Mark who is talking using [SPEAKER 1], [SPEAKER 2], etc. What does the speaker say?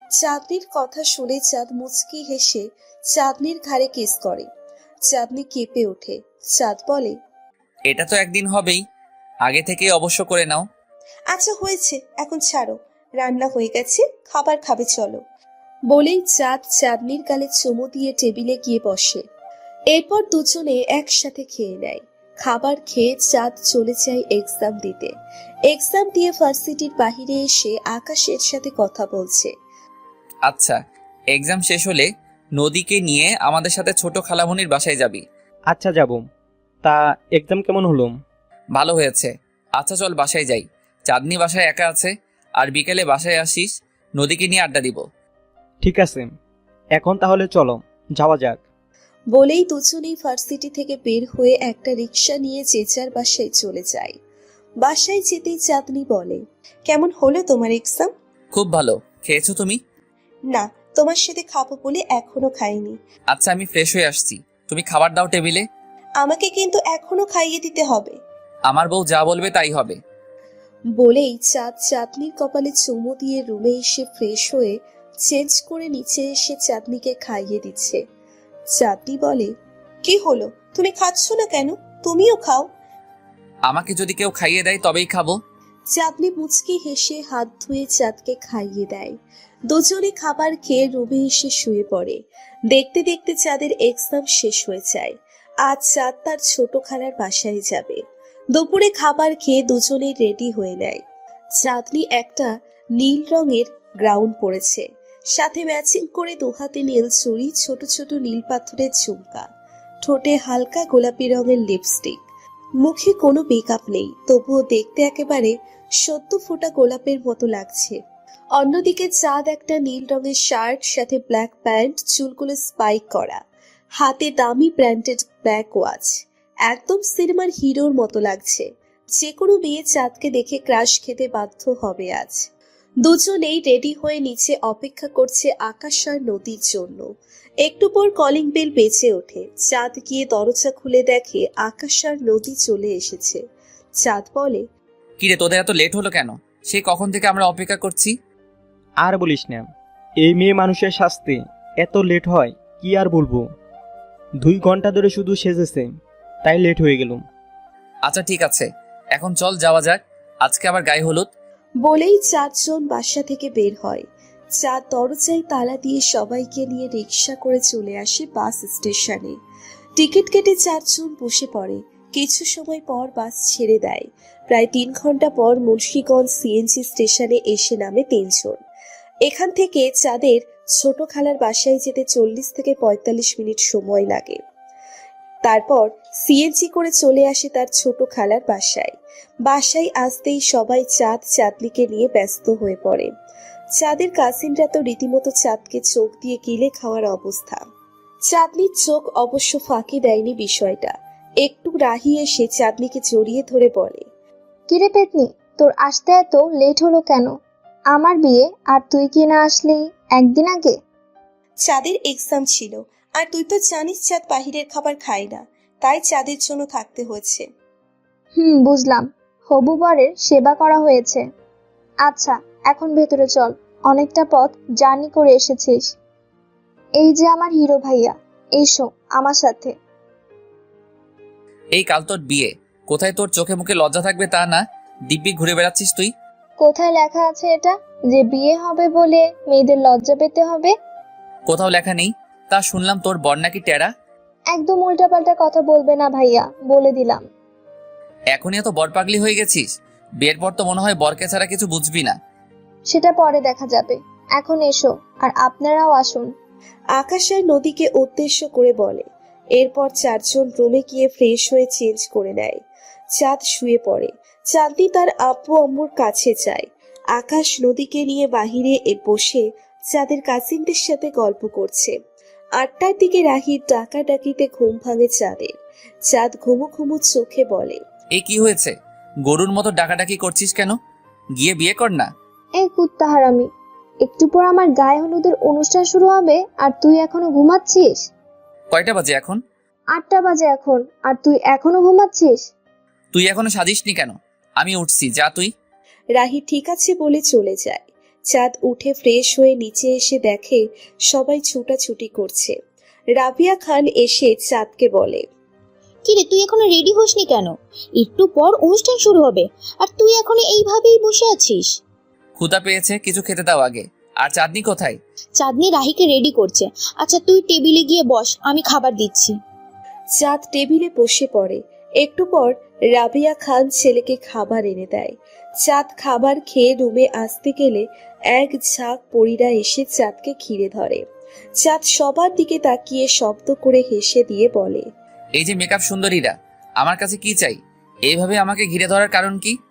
[SPEAKER 1] চাঁদনির কথা শুনে চাঁদ মুচকি হেসে চাঁদনির ঘাড়ে কিস করে। চাঁদনি কেঁপে ওঠে। চাঁদ বলে,
[SPEAKER 2] এটা তো একদিন হবেই, আগে থেকেই অবশ্য করে নাও।
[SPEAKER 1] আচ্ছা হয়েছে, এখন ছাড়ো, রান্না হয়ে গেছে, খাবার খাবে চলো। বলেই চাঁদ চাঁদনির গালে চুমু দিয়ে টেবিলে গিয়ে বসে। এরপর দুজনে একসাথে খেয়ে নেয়। খাবার খেয়ে চাঁদ চলে যায় এক্সাম দিতে। এক্সাম দিয়ে ভার্সিটির বাহিরে এসে আকাশের সাথে কথা বলছে।
[SPEAKER 2] আচ্ছা, এক্সাম শেষ হলে নদীকে নিয়ে আমাদের সাথে ছোট খালামণির বাসায় যাবি।
[SPEAKER 3] আচ্ছা যাব। তা এক্সাম কেমন হলো?
[SPEAKER 2] ভালো হয়েছে। আচ্ছা চল বাসায় যাই। চাঁদনি বাসায় একা আছে, আর বিকেলে বাসায় আসিস, নদীকে নিয়ে আড্ডা দিব।
[SPEAKER 3] ঠিক আছে, এখন তাহলে চলো যাওয়া যাক।
[SPEAKER 1] বলেই দুজনেই ভার্সিটি থেকে বের হয়ে একটা রিক্সা নিয়ে যে যার বাসায় চলে যায়। বাসায় যেতেই চাঁদনি বলে, কেমন হলো তোমার এক্সাম?
[SPEAKER 2] খুব ভালো। খেয়েছো তুমি?
[SPEAKER 1] না, তোমার সাথে খাবো বলে এখনো খাইনি।
[SPEAKER 2] আচ্ছা আমি ফ্রেশ হয়ে আসছি, তুমি খাবার দাও টেবিলে।
[SPEAKER 1] আমাকে কিন্তু এখনো খাইয়ে দিতে হবে।
[SPEAKER 2] আমার বউ যা বলবে তাই হবে।
[SPEAKER 1] বলেই চাঁদ চাঁদনির কপালে চুমু দিয়ে রুমে এসে ফ্রেশ হয়ে চেঞ্জ করে নিচে এসে চাঁদনিকে খাইয়ে দিচ্ছে। চাঁদনি বলে, কি হলো, তুমি খাচ্ছ না কেন? তুমিও খাও।
[SPEAKER 2] আমাকে যদি কেউ খাইয়ে দেয় তবেই খাবো।
[SPEAKER 1] চাঁদনি মুচকি হেসে হাত ধুয়ে চাঁদকে খাইয়ে দেয়। দুজনে খাবার খেয়ে রুমে এসে শুয়ে পড়ে। দেখতে দেখতে চাঁদের এক্সাম শেষ হয়ে যায়। আজ চাঁদ তার ছোট খালার বাসায় যাবে। দুপুরে খাবার খেয়ে দুজনেই রেডি হয়ে নেয়। চাঁদনি একটা নীল রঙের গ্রাউন পরেছে, সাথে ম্যাচিং করে দুহাতে নীল চুড়ি, ছোট ছোট নীল পাথরের ঝুমকা, ঠোঁটে হালকা গোলাপি রঙের লিপস্টিক। মুখে কোনো মেকআপ নেই, তবুও দেখতে একেবারে সদ্য ফোটা গোলাপের মতো লাগছে। অন্যদিকে চাঁদ একটা নীল রঙের শার্ট, সাথে ব্ল্যাক প্যান্ট, চুলগুলো স্পাইক করা, হাতে দামি ব্র্যান্ডেড ব্ল্যাক ওয়াচ। একদম সিনেমার হিরোর মতো লাগছে। যে কোনো মেয়ে চাঁদকে দেখে ক্রাশ খেতে বাধ্য হবে আজ। দুজনেই রেডি হয়ে নিচে অপেক্ষা করছে আকাশ আর নদীর জন্য। একটু পর কলিং বেল বেজে ওঠে। চাঁদ গিয়ে দরজা খুলে দেখে আকাশ আর নদী চলে এসেছে। চাঁদ বলে,
[SPEAKER 2] কিরে তোদের এত লেট হলো কেন? সেই কখন থেকে আমরা অপেক্ষা করছি।
[SPEAKER 3] আর বলিস না, এই মেয়ে মানুষের শাস্তি এত লেট হয় কি আর বলবো। 2 ঘন্টা ধরে শুধু সেজেছে, তাই লেট হয়ে গেল।
[SPEAKER 2] আচ্ছা ঠিক আছে, এখন চল যাওয়া যাক, আজকে আবার গায়ে হলুদ।
[SPEAKER 1] বলেই চারজন বাসা থেকে বের হয়। চাঁদ দরজায় তালা দিয়ে সবাইকে নিয়ে রিক্সা করে চলে আসে বাস স্টেশনে। টিকিট কেটে চারজন বসে পড়ে। কিছু সময় পর বাস ছেড়ে দেয়। প্রায় 3 ঘন্টা পর মুন্সিগঞ্জ সিএনজি স্টেশনে এসে নামে 3 জন। এখান থেকে চাঁদের ছোট খালার বাসায় যেতে 40 থেকে 45 মিনিট সময় লাগে। তারপর সিএনজি করে চলে আসে তার ছোট খালার বাসায়। বাসায় আসতেই সবাই চাঁদ চাঁদনিকে নিয়ে ব্যস্ত হয়ে পড়ে। চাঁদের কাজিনরা তো রীতিমতো চাঁদকে চোখ দিয়ে গিলে খাওয়ার অবস্থা। চাঁদনির চোখ অবশ্য ফাঁকি দেয়নি বিষয়টা। একটু রাহি এসে চাঁদনিকে জড়িয়ে ধরে বলে,
[SPEAKER 4] কিরে পেতনি, তোর আসতে এত লেট হলো কেন? আমার বিয়ে আর তুই কি না আসলি একদিন আগে?
[SPEAKER 1] চাঁদের এক্সাম ছিল, আর তুই তো জানিস চাঁদ বাহিরের খাবার খায় না, তাই চাঁদের জন্য থাকতে হয়েছে।
[SPEAKER 4] বুঝলাম, হবু বরের সেবা করা হয়েছে। আচ্ছা এখন ভেতরে চল, অনেকটা পথ জার্নি করে এসেছিস। এই যে আমার হিরো ভাইয়া, এসো আমার সাথে।
[SPEAKER 2] এই কাল তোর বিয়ে, কোথায় তোর চোখে মুখে লজ্জা থাকবে তা না, দিব্যি ঘুরে বেড়াচ্ছিস তুই।
[SPEAKER 4] কোথায় লেখা আছে এটা যে বিয়ে হবে বলে মেয়েদের লজ্জা পেতে হবে?
[SPEAKER 2] কোথাও লেখা নেই। তা শুনলাম তোর বর নাকি টেরা।
[SPEAKER 4] একদম উল্টাপাল্টা কথা বলবে না ভাইয়া, বলে দিলাম।
[SPEAKER 2] এখনই এত বর পাগলি হয়ে গেছিস? বিয়ের পর তো মনে হয় বরকে ছাড়া কিছু বুঝবি না।
[SPEAKER 4] সেটা পরে দেখা যাবে, এখন এসো আর আপনারাও আসুন।
[SPEAKER 1] আকাশ আর নদীকে উদ্দেশ্য করে বলে। এরপর চারজন রুমে গিয়ে ফ্রেশ হয়ে চেঞ্জ করে নেয়। চাঁদ শুয়ে পড়ে। চাঁদনি তার আব্বু আম্মুর কাছে যায়। আকাশ নদীকে নিয়ে বাহিরে বসে চাঁদের কাজিনদের সাথে গল্প করছে। 8টার দিকে রাহির ডাকাডাকিতে ঘুম ভাঙে চাঁদের। চাঁদ ঘুমু ঘুমু চোখে বলে,
[SPEAKER 2] এই কি হয়েছে? গরুর মতো ডাকাডাকি করছিস কেন? গিয়ে বিয়ে কর না।
[SPEAKER 4] এই কুত্তা হারামি, একটু পর আমার গায়ে হলুদের অনুষ্ঠান শুরু হবে আর তুই এখনো ঘুমাচ্ছিস?
[SPEAKER 2] কয়টা বাজে এখন?
[SPEAKER 4] 8টা বাজে এখন, আর তুই এখনো ঘুমাচ্ছিস?
[SPEAKER 2] তুই এখনো সাজিসনি কেন? আমি উঠছি, যা তুই।
[SPEAKER 1] রাহি ঠিক আছে বলে চলে যায়। চাঁদ উঠে ফ্রেশ হয়ে নিচে এসে দেখে সবাই ছুটাছুটি করছে। রাবিয়া খান এসে চাঁদকে বলে,
[SPEAKER 5] কিরে তুই এখনো রেডি হসনি কেন? একটু পর অনুষ্ঠান শুরু হবে আর তুই এখনো এইভাবেই বসে আছিস।
[SPEAKER 2] ক্ষুধা পেয়েছে, কিছু খেতে দাও আগে। আর চাঁদনি কোথায়?
[SPEAKER 5] চাঁদনি রাহিকে রেডি করছে। আচ্ছা তুই টেবিলে গিয়ে বস, আমি খাবার দিচ্ছি।
[SPEAKER 1] চাঁদ টেবিলে বসে পড়ে। একটু পর রাবিয়া খান ছেলেকে খাবার এনে দেয়। চাঁদ খাবার খেয়ে রুমে আসতে গেলে এক ঝাঁক পরীরা এসে চাঁদকে ঘিরে ধরে। চাঁদ সবার দিকে তাকিয়ে শব্দ করে হেসে দিয়ে বলে,
[SPEAKER 2] এই যে মেকআপ সুন্দরীরা, আমার কাছে কি চাই? এইভাবে আমাকে ঘিরে ধরার কারণ কি?